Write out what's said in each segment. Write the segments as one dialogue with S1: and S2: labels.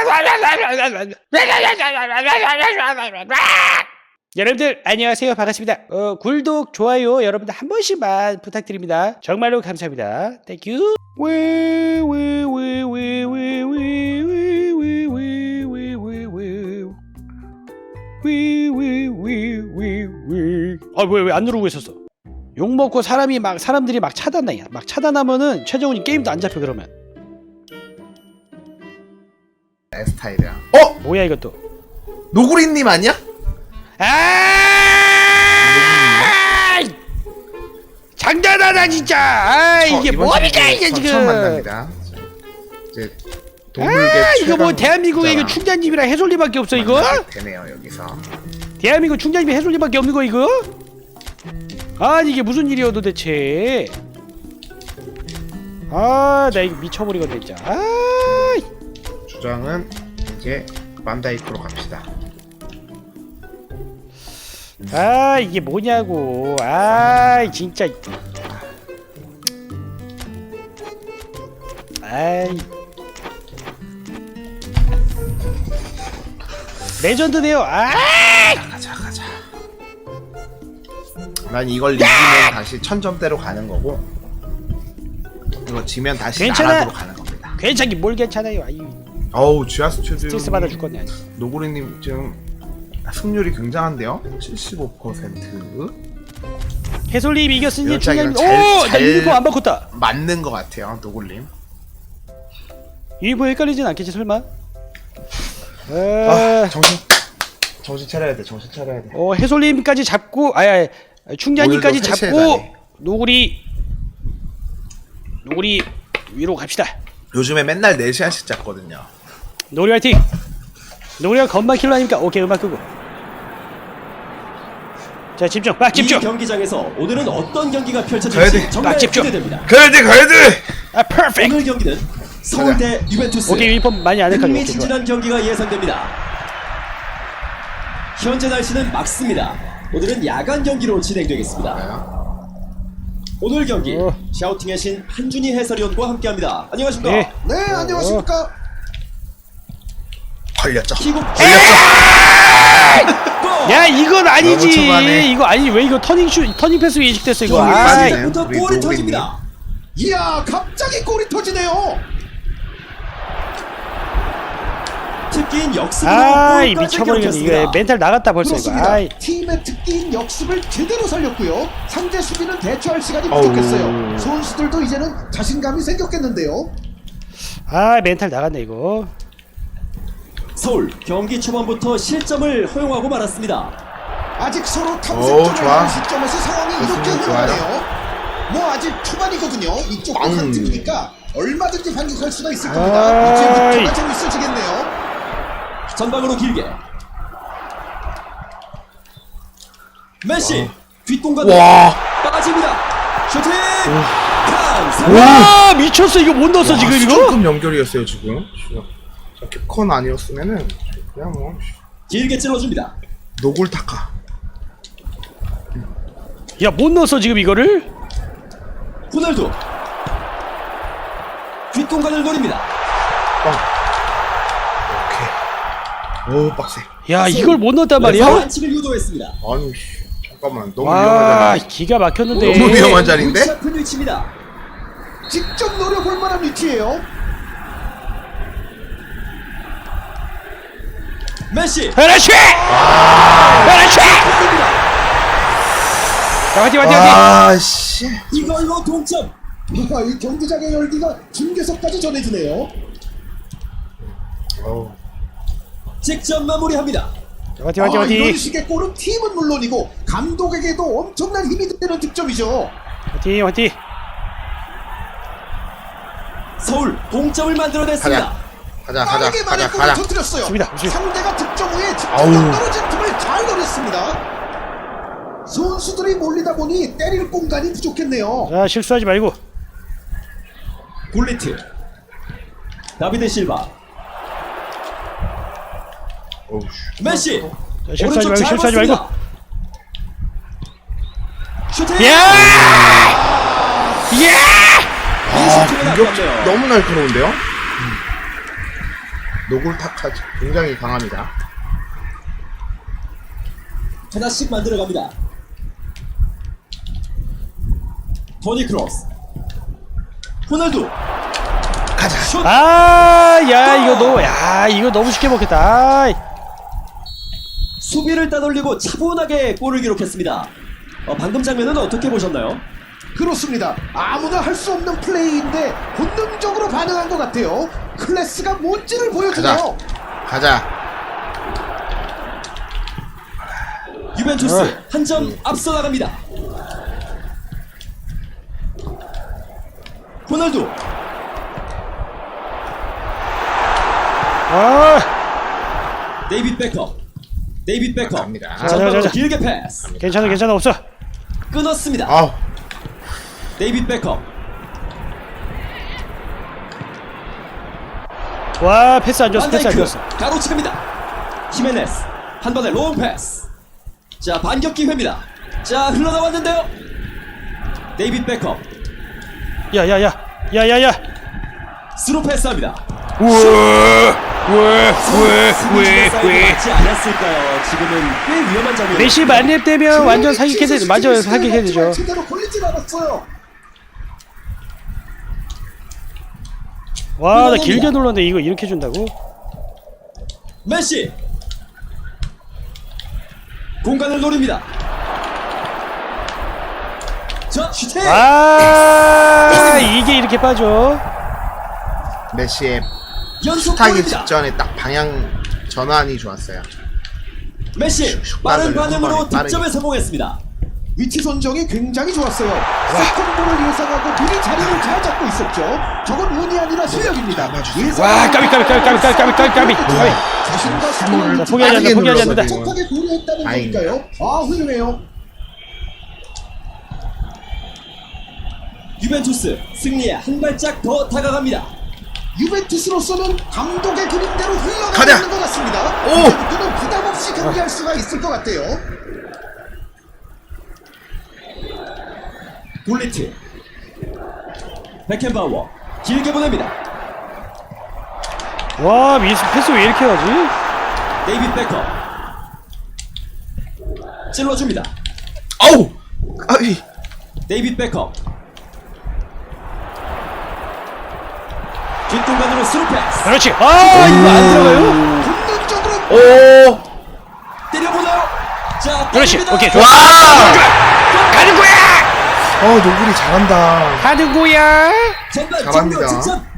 S1: 여러분들 안녕하세요, 반갑습니다. 구독, 좋아요 여러분들 한 번씩만 부탁드립니다. 정말로 감사합니다. 땡큐. 왜 안 누르고 있었어? 욕 먹고 사람들이 막 차단해. 막 차단하면은 최정훈이 게임도 안 잡혀. 그러면
S2: 스타일이야.
S1: 뭐야 이것도?
S2: 노구리님 아니야?
S1: 장난하다 진짜. 이게 뭐니까 이게 지금.
S2: 처음 만납니다. 이제 동물계
S1: 이거 뭐 대한민국에 이거 충자님이랑 해솔리밖에 없어 이거?
S2: 되네요 여기서.
S1: 대한민국 충자님이 해솔리밖에 없는 거 이거? 아니 이게 무슨 일이야 도대체? 나 이거 미쳐버리겠네 진짜.
S2: 주장은 이제 만다이크로 갑시다.
S1: 이게 뭐냐고. 진짜. 레전드네요.
S2: 가자. 난 이걸 이기면 다시 1000점대로 가는 거고, 이거 지면 다시
S1: 괜찮아.
S2: 나락으로 가는 겁니다.
S1: 괜찮긴 뭘 괜찮아요.
S2: 어우 GS 튜드
S1: 스트레스 받아 줄 건데.
S2: 노구리님 지금 승률이 굉장한데요? 75%.
S1: 해솔님 이겼으니
S2: 이런
S1: 충자님.
S2: 잘-
S1: 나 유니폼 안 바꿨다.
S2: 맞는 것 같아요 노구님.
S1: 유니폼 헷갈리진 않겠지 설마?
S2: 정신 차려야 돼. 정신 차려야 돼.
S1: 해솔님까지 잡고 충자님까지
S2: 오늘도
S1: 잡고
S2: 세세다네.
S1: 노구리 위로 갑시다.
S2: 요즘에 맨날 4시간씩 잤거든요.
S1: 노리 화이팅! 노리가 건반 킬러 아닙니까? 오케이, 음악 끄고. 자, 집중! 막 집중!
S3: 이 경기장에서 오늘은 어떤 경기가
S2: 가야
S3: 펼쳐질지
S2: 돼.
S3: 정말
S1: 집중.
S3: 기대됩니다.
S2: 가야 돼.
S1: 퍼펙트!
S3: 오늘 경기는 서울 대 유벤투스.
S1: 오케이, 유니폼 많이 안 헷갈려. 오케이, 좋아.
S3: 흥미진진한 경기가 예상됩니다. 현재 날씨는 맑습니다. 오늘은 야간 경기로 진행되겠습니다. 오늘 경기 샤우팅의 신 한준희 해설위원과 함께합니다. 안녕하십니까?
S1: 네.
S4: 네, 안녕하십니까.
S2: 걸렸죠.
S3: 킥오프.
S1: 야, 이건
S2: 너무
S1: 아니지!
S2: 초반에.
S1: 이거 아니지. 왜 이거 터닝 패스 예측됐어, 이거.
S2: 좀 빠지네.
S3: 부터
S2: 우리
S3: 골이
S2: 노구리님.
S3: 터집니다.
S4: 이야, 갑자기 골이 터지네요.
S3: 특기인 역습으로
S1: 아이,
S3: 골까지
S1: 미쳐버리겠네.
S3: 경기했습니다.
S1: 이거 멘탈 나갔다 벌써 이거.
S4: 그렇습니다. 팀의 특기인 역습을 제대로 살렸고요. 상대 수비는 대처할 시간이 부족했어요. 선수들도 이제는 자신감이 생겼겠는데요.
S1: 멘탈 나갔네, 이거.
S3: 서울 경기 초반부터 실점을 허용하고 말았습니다.
S4: 아직 서로
S2: 오,
S4: 탐색점을
S2: 좋아.
S4: 하는 시점에서 상황이 이렇게
S2: 좋습니다.
S4: 흘러가네요. 뭐 아직 초반이거든요. 이쪽 한 팀이니까 얼마든지 반격할 수가 있을 겁니다. 이제부터가 재밌어지겠네요.
S3: 전방으로 길게 메시 뒷공간
S2: 와.
S3: 빠집니다. 슈팅
S1: 와, 미쳤어. 이거 못 넣었어, 지금 이거?
S2: 수준급 연결이었어요 지금. 캡콘 아니었으면은 그냥 뭐
S3: 길게 찔러줍니다.
S2: 노골타카.
S1: 야, 못 넣었어, 지금 이거를?
S3: 호날두 뒷공간을 노립니다.
S2: 오케이. 오 빡세.
S1: 야, 이걸 못 넣었단
S3: 레프트
S1: 말이야?
S3: 반칙을 유도했습니다.
S2: 아니 잠깐만 너무
S1: 와,
S2: 위험하잖아.
S1: 기가 막혔는데.
S2: 너무 위험한 자리인데?
S3: 골치 아픈 위치입니다.
S4: 직접 노려볼 만한 위치예요.
S3: 메시
S1: 그렇지! 그렇지! 자, 화이팅!
S2: 아씨.
S3: 이걸로 동점.
S4: 이 경기장의 열기가 중계석까지 전해지네요.
S2: 어우.
S3: 직접 마무리합니다.
S1: 화이팅!
S4: 이런 식의 골은 팀은 물론이고 감독에게도 엄청난 힘이 되는 득점이죠.
S1: 화이팅!
S3: 서울 동점을 만들어냈습니다.
S4: 빠르게 많은 골을 터뜨렸어요.
S1: 좋습니다.
S4: 상대가 득점 후에
S2: 아우.
S4: 집중력 떨어진 틈을 잘 노렸습니다. 선수들이 몰리다 보니 때릴 공간이 부족했네요.
S1: 자, 실수하지 말고.
S3: 굴리트 다비드 실바
S2: 어우.
S3: 메시
S1: 자, 실수하지
S3: 오른쪽
S1: 말고,
S3: 잘
S1: 실수하지 말고.
S3: 봤습니다. 슈팅
S1: 야! 야!
S3: 이 슈팅은
S2: 공격
S3: 아깝네요.
S2: 너무 날카로운데요? 노골타카 굉장히 강합니다.
S3: 하나씩 만들어갑니다. 토니 크로스, 호날두,
S2: 가자.
S3: 슛.
S1: 이거 너무 쉽게 먹겠다. 아이.
S3: 수비를 따돌리고 차분하게 골을 기록했습니다. 방금 장면은 어떻게 보셨나요?
S4: 그렇습니다. 아무나 할 수 없는 플레이인데 본능적으로 반응한 것 같아요. 클래스가 뭔지를 보여주네요.
S2: 가자.
S3: 유벤투스 한 점 앞서 나갑니다. 호날두, 데이빗 베컴,
S2: 갑니다.
S3: 전방으로
S1: 자.
S3: 길게 패스,
S1: 괜찮아 없어.
S3: 끊었습니다.
S2: 아우.
S3: 데이빗 베컴,
S1: 와 패스 안 줬어.
S3: 반다이크 가로채입니다. 히메네스 한 번에 롱 패스. 자, 반격 기회입니다. 자, 흘러나왔는데요. 데이빗 베컴
S1: 야야야.
S3: 스루 패스합니다.
S1: 왜?
S3: 맞지 않았을까요? 지금은 꽤 위험한 장면.
S1: 메시 만렙되면 완전 사기캐 되죠. 맞아요, 사기캐 되죠.
S4: 제대로 걸리진 않았어요.
S1: 와, 나 길게 눌렀는데 이거 이렇게 준다고?
S3: 메시 공간을 노립니다. 자, 슈팅.
S1: 이게 이렇게 빠져.
S2: 메시의
S3: 연속
S2: 슈타기
S3: 골입니다.
S2: 직전에 딱 방향 전환이 좋았어요.
S3: 메시
S2: 슉
S3: 빠른
S2: 빠르게,
S3: 반응으로
S2: 한 방에
S3: 득점에 성공했습니다.
S4: 위치 선정이 굉장히 좋았어요. 세컨볼을 예상하고 미리 자리를 잘 잡고 있었죠. 저건 운이 아니라 실력입니다.
S1: 와, 까비.
S4: 자신과
S1: 자,
S4: 스포를
S1: 포기하지 않는다.
S4: 적하게 고려했다는
S2: 다행이다.
S4: 거니까요. 훌륭해요.
S3: 유벤투스 승리에 한 발짝 더 다가갑니다.
S4: 유벤투스로서는 감독의 그림대로 흘러가고
S2: 가자.
S4: 있는 것 같습니다.
S2: 오!
S4: 이제부터는 부담 없이 경기할 수가 있을 것 같아요.
S3: 굴리트, 베켄바우어 길게 보냅니다.
S1: 와, 패스 왜 이렇게 하지?
S3: 데이빗 베컴 찔러줍니다.
S2: 아우. 아이.
S3: 데이빗 베컴 뒷공간으로 스루 패스.
S1: 그렇지. 이거 안 들어가요?
S4: 본능적으로
S2: 오.
S3: 때려보나요? 자,
S1: 그렇지.
S3: 때립니다.
S1: 오케이, 좋아.
S2: 와.
S1: 가는 거야.
S2: 노구리 잘한다.
S1: 가는 거야.
S3: 전반
S2: 잘합니다.
S3: 종료 직전.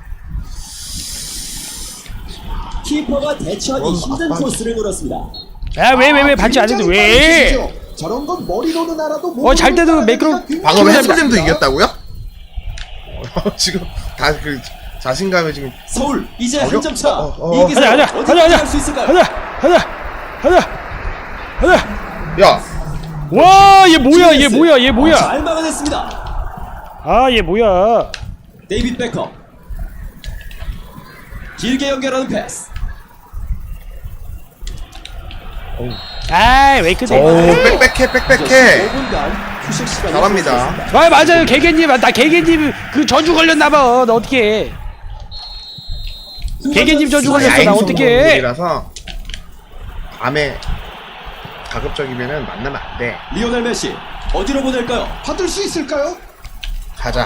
S3: 키퍼가 대처하기 힘든 코스를 노렸습니다.
S1: 왜 반지 안 했는데 왜?
S4: 빠르시죠? 저런 건 머리로는 알아도
S1: 잘 때도 매끄러.
S2: 방금 해설님도 이겼다고요? 지금 다 그 자신감에 지금
S3: 서울 이제 한 점 차.
S2: 어.
S3: 이기서 어디까지 갈 수 있을까요?
S1: 가자.
S2: 야.
S1: 와, 얘 뭐야?
S3: 잘 막아냈습니다.
S1: 얘 뭐야?
S3: 데이빗 베컴 길게 연결하는 패스.
S1: 왜
S2: 오,
S1: 그래?
S2: 빽빽해.
S3: 5분간 휴식 시간이
S2: 잘합니다.
S1: 맞아요, 개개님. 나 개개님 그 전주 걸렸나봐. 나 어떡해? 개개님 전주 걸렸어. 나 어떡해?
S2: 이라서 밤에 가급적이면은 만나면 안 돼.
S3: 리오넬 메시 어디로 보낼까요?
S4: 받을 수 있을까요?
S2: 가자.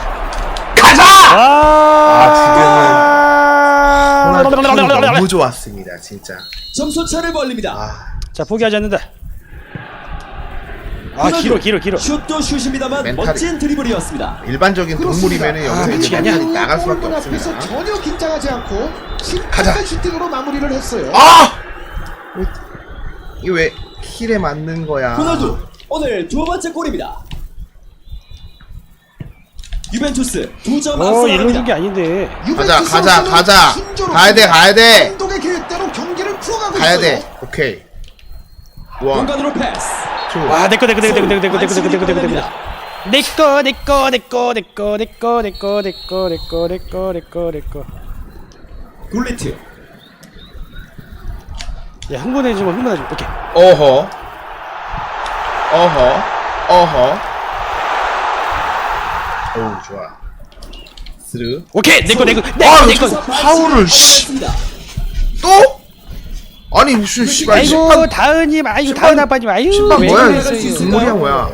S2: 호날두 너무 좋았습니다, 진짜.
S3: 점수 차를 벌립니다.
S1: 자, 포기하지 않는다.
S3: 호날두.
S1: 길어.
S3: 슛도 슛입니다만
S2: 멘탈이-
S3: 멋진 드리블이었습니다.
S2: 일반적인 동물이면은 여기서
S1: 그치,
S2: 이제
S1: 아니야.
S2: 멘탈이 나갈 수밖에
S4: 골문 앞에서
S2: 없습니다.
S4: 전혀 긴장하지 않고
S2: 가자.
S4: 침착한 슈팅으로 마무리를 했어요.
S2: 이게 왜 힐에 맞는 거야?
S3: 호날두 오늘 두 번째 골입니다. 유벤투스 2점 앞서
S1: 이런 게
S3: 나갑니다.
S1: 아닌데.
S2: 가자.
S4: 유벤투스로서는 순조롭게
S2: 가야 돼.
S4: 감독의 계획대로 경기를 풀어가고
S2: 가야
S4: 있어요.
S2: 돼. 오케이. 원,
S3: 공간으로 패스.
S2: 투.
S1: 와, 내꺼.
S3: 굴리트
S1: 야, 흥분해지고. 오케이.
S2: 어허. 오, 좋아. 스르.
S1: 오케이. 내꺼.
S2: 파울을 씨.
S3: 습니다
S2: 또? 아니 무슨 씨발
S1: 아이고
S2: 심판
S1: 다은님, 아이고
S2: 심판-
S1: 다은 아빠님, 아유
S2: 심판
S1: 왜
S2: 뭐야?
S1: 그러세요?
S2: 국물이야 뭐야?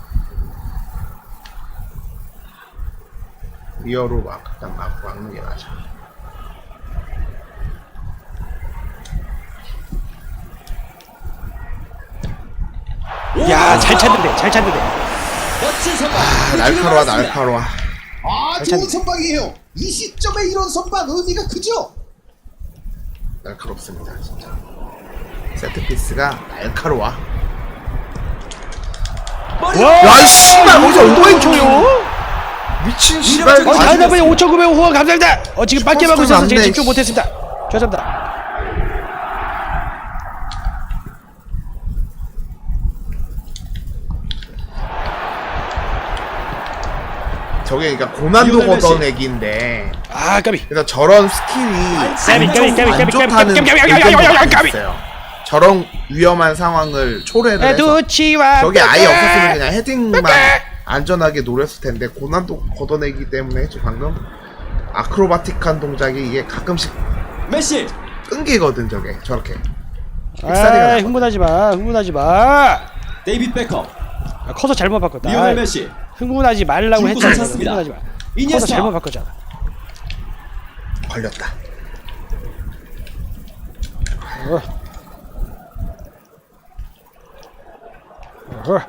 S2: 리어로 막 그냥 막는 게 맞아.
S1: 야, 잘 찾는데, 잘 찾는데.
S3: 멋진 선방.
S2: 날카로워 날카로워.
S4: 아, 좋은 선방이에요. 이 시점에 이런 선방 의미가 크죠?
S2: 날카롭습니다 진짜. 세트 피스가 날카로워.
S3: 머리.
S1: 와,
S2: 야, 이 씨발, 어디서 엉덩이
S1: 쳐요?
S2: 미친 씨발.
S1: 다은 아빠님 5,900원 후원 감사합니다. 지금 밖에 하고 있어서 제가
S2: 맞네,
S1: 집중
S2: 씨.
S1: 못했습니다. 죄송합니다.
S2: 저게 그러니까 고난도
S3: 리오넬 메시.
S2: 걷어내기인데.
S1: 아, 까비.
S2: 그래서 저런 스킬이 안 좋다는 의견도 있어요. 저런 위험한 상황을 초래를 해서
S1: 두치와
S2: 저게 아예 없었으면 그냥 헤딩만 안전하게 노렸을 텐데 고난도 걷어내기 때문에 저 방금 아크로바틱한 동작이 이게 가끔씩
S3: 메시.
S2: 끊기거든 저게 저렇게.
S1: 아, 흥분하지 마. 흥분하지 마.
S3: 데이빗 베컴.
S1: 아, 커서 잘못 바꿨다.
S3: 리오넬
S1: 아,
S3: 메시.
S1: 흥분하지 말라고
S3: 중국을
S1: 했잖아.
S3: 찾습니다.
S1: 흥분하지 마. 커서
S3: 이니에스타.
S1: 잘못 바꿨잖아.
S2: 걸렸다.
S1: 어. 어.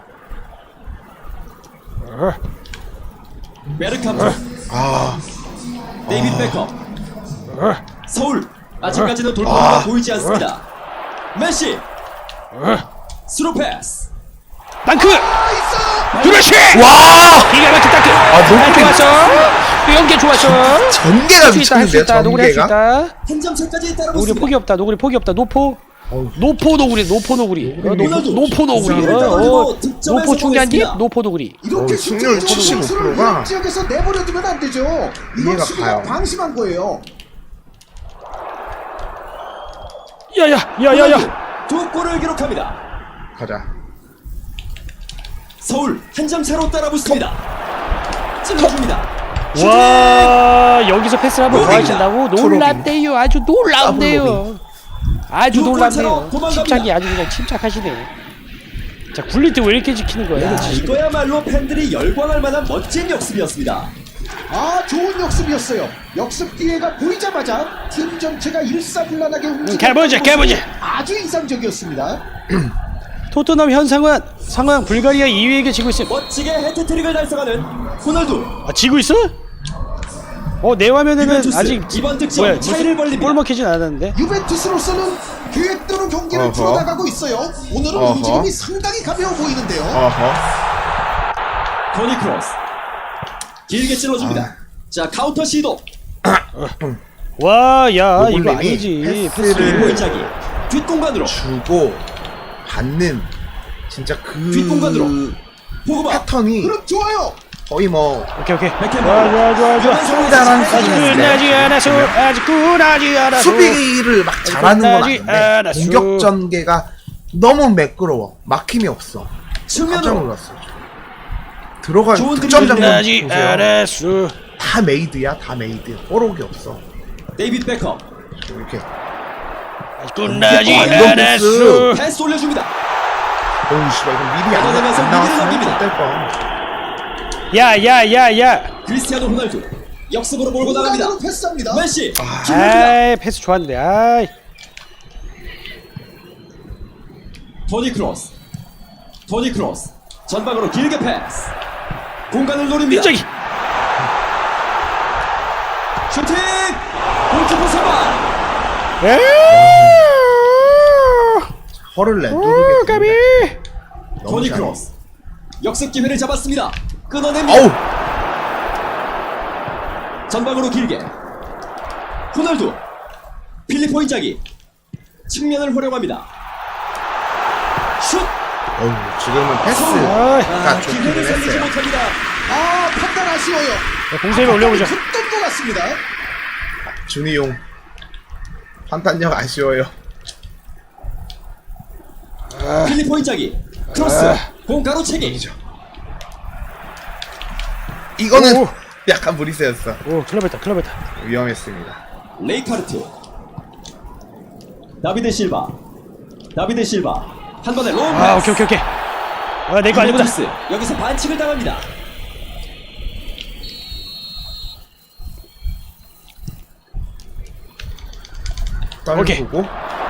S1: 어.
S3: 베르캄프.
S2: 아
S3: 데이빗 베컴.
S1: 어.
S3: 서울. 아직까지는 돌파가 보이지 않습니다. 메시.
S1: 어.
S3: 스루 패스.
S1: 땅크!
S4: 아, 있어!
S1: 그렇지!
S2: 와!
S1: 기가 막힌 땅크!
S2: 너무
S1: 좋았어! 연계 좋았어!
S2: 전개가
S1: 할 수 있다, 할 수
S2: 미쳤는데요
S1: 있다, 노구리 할 수
S2: 전개가?
S1: 있다.
S3: 한 점 차까지
S1: 노구리
S3: 따라붙습니다.
S1: 포기 없다, 노구리 포기 없다, 노포.
S2: 어우,
S1: 노포 노구리, 노포 노구리.
S3: 노구리.
S1: 노포 노구리.
S3: 이상을 떨어지고 득점에
S1: 노포 충전기?
S3: 성공했습니다.
S1: 노포 노구리.
S4: 이렇게
S2: 승률
S4: 숫자 좋은
S2: 75%
S4: 선수를
S2: 가
S4: 이 지역에서 내버려두면 안 되죠. 이건
S2: 이해가
S4: 수비가
S2: 가요.
S4: 방심한 거예요.
S1: 야야야야야!
S3: 두 골을 기록합니다.
S2: 가자.
S3: 서울 한 점 차로 따라붙습니다. 찔러줍니다.
S1: 와, 여기서 패스를 한번 더
S3: 노리입니다.
S1: 하신다고? 놀랍대요. 아주 놀랍네요. 아주
S3: 두 골차로
S1: 놀랍네요.
S3: 도망갑니다.
S1: 침착이 아주 그냥 침착하시네. 자, 굴리트 왜 이렇게 지키는 거야?
S3: 야,
S1: 이거 지금.
S3: 이거야말로 팬들이 열광할 만한 멋진 역습이었습니다.
S4: 아, 좋은 역습이었어요. 역습 기회가 보이자마자 팀 전체가 일사불란하게 움직이는
S1: 가보자,
S4: 모습이
S1: 가보자.
S4: 아주 인상적이었습니다.
S1: 토트넘 현 상황 불가리아 2위에게 지고 있음.
S3: 멋지게 해트트릭을 달성하는 호날두.
S1: 아, 지고 있어? 내 화면에는
S3: 유벤투스,
S1: 아직
S3: 이번 득점
S1: 뭐야,
S3: 차이를 벌립니다.
S1: 골 먹히진 않았는데.
S4: 유벤투스로서는 계획대로 경기를
S2: 어허.
S4: 풀어나가고 있어요. 오늘은
S2: 어허.
S4: 움직임이 상당히 가벼워 보이는데요.
S2: 어허.
S3: 토니 크로스. 길게 찔러줍니다. 자, 카운터 시도.
S1: 와, 야, 이거
S2: 노블님이
S1: 아니지.
S2: 패스를
S3: 골짜기. 뒷공간으로.
S2: 주고 받는 진짜 그
S3: 뒷공간으로. 포그바.
S2: 패턴이
S4: 그럼 좋아요.
S2: 거의 뭐
S1: 오케이.
S3: 백핸드.
S1: 좋아.
S2: 상당한
S1: 아직 끝나지 않았어. 아직 끝나지 않았어.
S2: 수비를 막 잘하는 건
S1: 끝나지
S2: 아닌데
S1: 않았어.
S2: 공격 전개가 너무 매끄러워. 막힘이 없어. 깜짝
S3: 측면으로.
S2: 놀랐어. 들어간
S3: 좋은
S2: 득점 장면
S1: 끝나지
S2: 보세요.
S1: 않았어.
S2: 다 메이드야, 다 메이드. 뽀록이 없어.
S3: 데이빗 베컴.
S2: 이렇게.
S1: 끝나지
S2: 아, 이런
S1: 않았어.
S3: 패스 올려줍니다.
S2: 어우 씨발 이거 미리 안
S3: 걷어내면서 미리를
S2: 나왔으면
S3: 넘깁니다.
S2: 될 뻔.
S1: 야.
S3: 크리스티아노 호날두. 역습으로 몰고 나갑니다.
S4: 공간으로 패스합니다.
S3: 메시. 찔러줍니다.
S1: 아이, 패스 좋았는데. 아이.
S3: 토니 크로스. 토니 크로스. 전방으로 길게 패스. 공간을 노립니다.
S1: 저기.
S3: 슈팅! 골키퍼 선방.
S2: 허를
S1: 오,
S2: 내두르게
S1: 까비.
S2: 됩니다. 너무
S3: 토니
S2: 잘해.
S3: 크로스. 역습 기회를 잡았습니다. 끊어냅니다.
S2: 어우.
S3: 전방으로 길게. 호날두. 필리포 인자기. 측면을 활용합니다. 슛!
S2: 어우 지금은 패스가
S1: 아이,
S2: 좋기는
S3: 기회를 살리지
S2: 했어요.
S3: 못합니다.
S4: 아, 판단 아쉬워요.
S1: 공세를 올려보자.
S4: 컸던 것 같습니다.
S2: 준이용 판단력 아쉬워요.
S3: 필리포 인자기. 크로스. 공 가로채기.
S2: 이거는
S1: 오.
S2: 약간 무리세였어.
S1: 오, 클럽했다.
S2: 위험했습니다.
S3: 레이카르트. 다비드 실바 한 번에 롱
S1: 아,
S3: 패스.
S1: 오케이. 내 거 아니구나.
S3: 유벤투스 여기서 반칙을 당합니다.
S2: 빨리
S1: 오케이.
S2: 보고.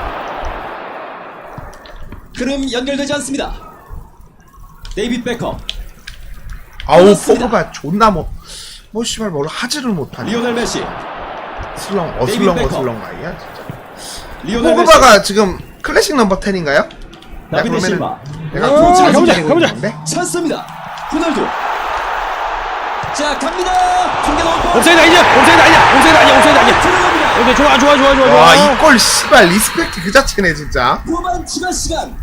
S3: 흐름 연결되지 않습니다. 데이빗 베컴
S2: 아우
S3: 그렇습니다.
S2: 포그바 존나 뭐 씨발 뭘 하지를 못하니.
S3: 리오넬 메시
S2: 어슬렁
S3: 베컴.
S2: 아이야 진짜.
S3: 리오넬 메시
S2: 포그바가 지금 클래식 넘버 10인가요?
S3: 다비드 실바
S2: 내가
S1: 가보자.
S3: 찬스입니다. 호날두 자 갑니다. 중계 넘어
S1: 옵사이드 아니야.
S3: 들어갑니다.
S1: 오케이, 좋아.
S2: 와 이 골 씨발 리스펙트 그 자체네 진짜.
S3: 후반 추가 시간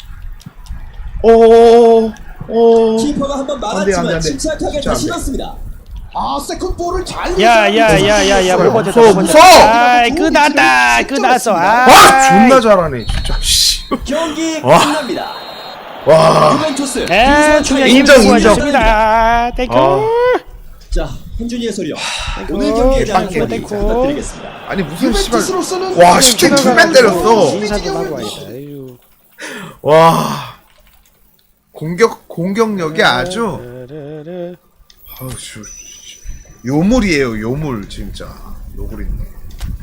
S2: 오.
S3: 키퍼가 한번
S2: 안 돼,
S3: 막았지만
S2: 돼.
S3: 침착하게
S2: 진짜 안
S3: 다시
S2: 돼.
S3: 넣습니다.
S4: 아 세컨 볼을 잘
S1: 야야야야야, 못 버텼다.
S2: 무서워.
S1: 아이, 끝났어.
S2: 와 존나 잘하네 진짜. 씨.
S3: 경기
S2: 와.
S3: 끝납니다.
S2: 와.
S3: 유벤투스
S1: 중요한
S2: 인정,
S1: 힘을
S2: 인정.
S1: 수고하셨습니다. 땡큐.
S3: 자 현준이 해설위원 오늘 경기에 대한
S2: 땡큐,
S3: 한마디
S1: 땡큐.
S3: 부탁드리겠습니다.
S2: 아니 무슨 씨발.
S4: 유벤투스로서는
S2: 와 10대 2만 때렸어.
S1: 인사 좀 하고 와야겠다. 아유.
S2: 와. 공격력이 아주
S1: 르르르.
S2: 아우 씨. 요물이에요 요물 진짜. 요물이네.